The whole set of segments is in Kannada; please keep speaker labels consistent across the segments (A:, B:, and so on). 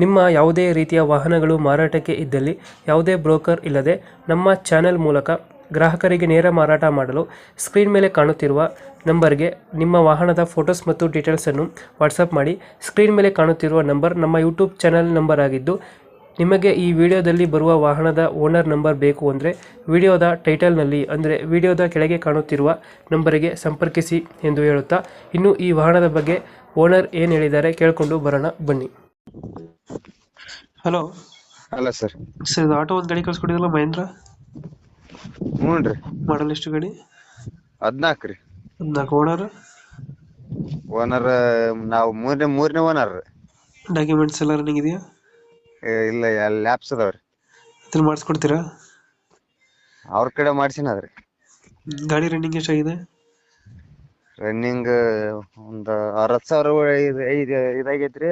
A: ನಿಮ್ಮ ಯಾವುದೇ ರೀತಿಯ ವಾಹನಗಳು ಮಾರಾಟಕ್ಕೆ ಇದ್ದಲ್ಲಿ ಯಾವುದೇ ಬ್ರೋಕರ್ ಇಲ್ಲದೆ ನಮ್ಮ ಚಾನೆಲ್ ಮೂಲಕ ಗ್ರಾಹಕರಿಗೆ ನೇರ ಮಾರಾಟ ಮಾಡಲು ಸ್ಕ್ರೀನ್ ಮೇಲೆ ಕಾಣುತ್ತಿರುವ ನಂಬರ್ಗೆ ನಿಮ್ಮ ವಾಹನದ ಫೋಟೋಸ್ ಮತ್ತು ಡೀಟೇಲ್ಸನ್ನು ವಾಟ್ಸಪ್ ಮಾಡಿ. ಸ್ಕ್ರೀನ್ ಮೇಲೆ ಕಾಣುತ್ತಿರುವ ನಂಬರ್ ನಮ್ಮ ಯೂಟ್ಯೂಬ್ ಚಾನೆಲ್ ನಂಬರ್ ಆಗಿದ್ದು, ನಿಮಗೆ ಈ ವಿಡಿಯೋದಲ್ಲಿ ಬರುವ ವಾಹನದ ಓನರ್ ನಂಬರ್ ಬೇಕು ಅಂದರೆ ವಿಡಿಯೋದ ಟೈಟಲ್ನಲ್ಲಿ ಅಂದರೆ ವಿಡಿಯೋದ ಕೆಳಗೆ ಕಾಣುತ್ತಿರುವ ನಂಬರಿಗೆ ಸಂಪರ್ಕಿಸಿ ಎಂದು ಹೇಳುತ್ತಾ, ಇನ್ನು ಈ ವಾಹನದ ಬಗ್ಗೆ ಓನರ್ ಏನು ಹೇಳಿದ್ದಾರೆ ಕೇಳಿಕೊಂಡು ಬರೋಣ ಬನ್ನಿ. ಹಲೋ
B: ಅಲ್ಲ ಸರ್.
A: ಸರ್, ಇದು ಆಟೋ ಒಂದು ಗಾಡಿ ಕಳ್ಸ್ಕೊಟ್ಟಿದ್ರಲ್ಲ ಮಹೇಂದ್ರ,
B: ಹ್ಞೂ ರೀ.
A: ಮಾಡಲ್ ಎಷ್ಟು ಗಾಡಿ?
B: 14 ರೀ.
A: 14. ಓನರ್?
B: ಓನರ್ ನಾವು ಮೂರನೇ ಓನರ್.
A: ಡಾಕ್ಯುಮೆಂಟ್ಸ್ ಎಲ್ಲ ರನ್ನಿಂಗ್ ಇದೆಯಾ?
B: ಇಲ್ಲ, ಲ್ಯಾಬ್ಸ್ ಅದಾವ್ರಿ.
A: ಇದ್ರ ಮಾಡಿಸ್ಕೊಡ್ತೀರಾ?
B: ಅವ್ರ ಕಡೆ ಮಾಡ್ಸಿನದ್ರಿ.
A: ಗಾಡಿ ರನ್ನಿಂಗ್ ಎಷ್ಟಾಗಿದೆ?
B: ರನ್ನಿಂಗ್ ಒಂದು 60,000 ಇದಾಗೈತ್ರಿ.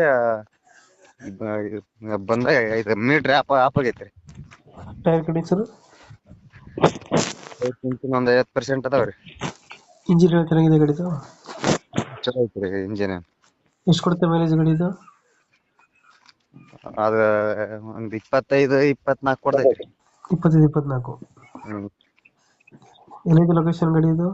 B: ಬಂದ 5 ಮೀಟ್ರ್ ಆಪ್ ಆಗೈತ್ರಿ.
A: ಟೈರ್ ಕಂಡೀಷನ್
B: ಒಂದು 50% ಅದಾವ್ರಿ.
A: ಇಂಜಿನ್ ಚೆನ್ನಾಗಿದೆ ಗಾಡಿದು?
B: ಚಲೋ ಐತ್ರಿ ಇಂಜಿನ್.
A: ಎಷ್ಟು ಕೊಡುತ್ತೆ ಮೈಲೇಜ್ ಗಾಡಿದು?
B: ಅದ ಒಂದ್ 25-24 ಕೊಡ್ತೈತ್ರಿ.
A: 25-24.
B: ಹ್ಮ್.
A: ಎಲ್ಲಿದೆ ಲೊಕೇಶನ್ ಗಾಡಿ ಇದು?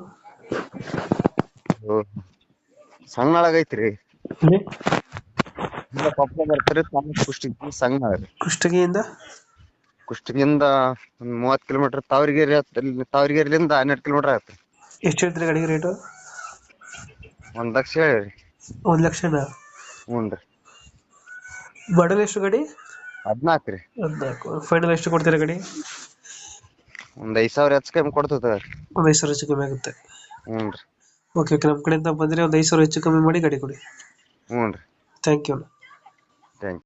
B: ಸಣ್ಣೊಳಗೈತ್ರಿ.
A: ಇಲ್ಲಿ
B: ಕೊಪ್ಪಳ ಬರ್ತಾರೆ, ಕುಷ್ಟಗಿ ಸಣ್ಣ ರೀ.
A: ಕುಷ್ಟಗಿಯಿಂದ
B: ಕುಷ್ಟಗಿಯಿಂದ ಒಂದ್ 30 ಕಿಲೋಮೀಟರ್. ತಾವರಿಗೆರೆಲಿಂದ 12 ಕಿಲೋಮೀಟರ್ ಆಗತ್ತೆ.
A: ಎಷ್ಟು ಹೇಳ್ತೀರಿ ಗಾಡಿಗೆ ರೇಟು?
B: 1 ಲಕ್ಷ ಹೇಳಿರಿ.
A: 1 ಲಕ್ಷನಾ?
B: ಹ್ಞೂ ರೀ.
A: ಮಾಡಲ್ ಎಷ್ಟು ಗಾಡಿ?
B: 14 ರೀ.
A: 14. ಫೈನಲ್ ಎಷ್ಟು ಕೊಡ್ತೀರಾ ಗಾಡಿ?
B: ಒಂದ್ 5,000 ಹೆಚ್ಚು ಕಮ್ಮಿ ಕೊಡ್ತದ.
A: ಒಂದು 5,000 ಹೆಚ್ಚು ಕಮ್ಮಿ ಆಗುತ್ತೆ.
B: ಹ್ಞೂ ರೀ.
A: ಓಕೆ ಓಕೆ, ನಮ್ಮ ಕಡೆಯಿಂದ ಬಂದರೆ ಒಂದು 5,000 ಹೆಚ್ಚು ಕಮ್ಮಿ ಮಾಡಿ ಗಾಡಿ ಕೊಡಿ.
B: ಹ್ಞೂ ರೀ.
A: Thank you.
B: Thank you.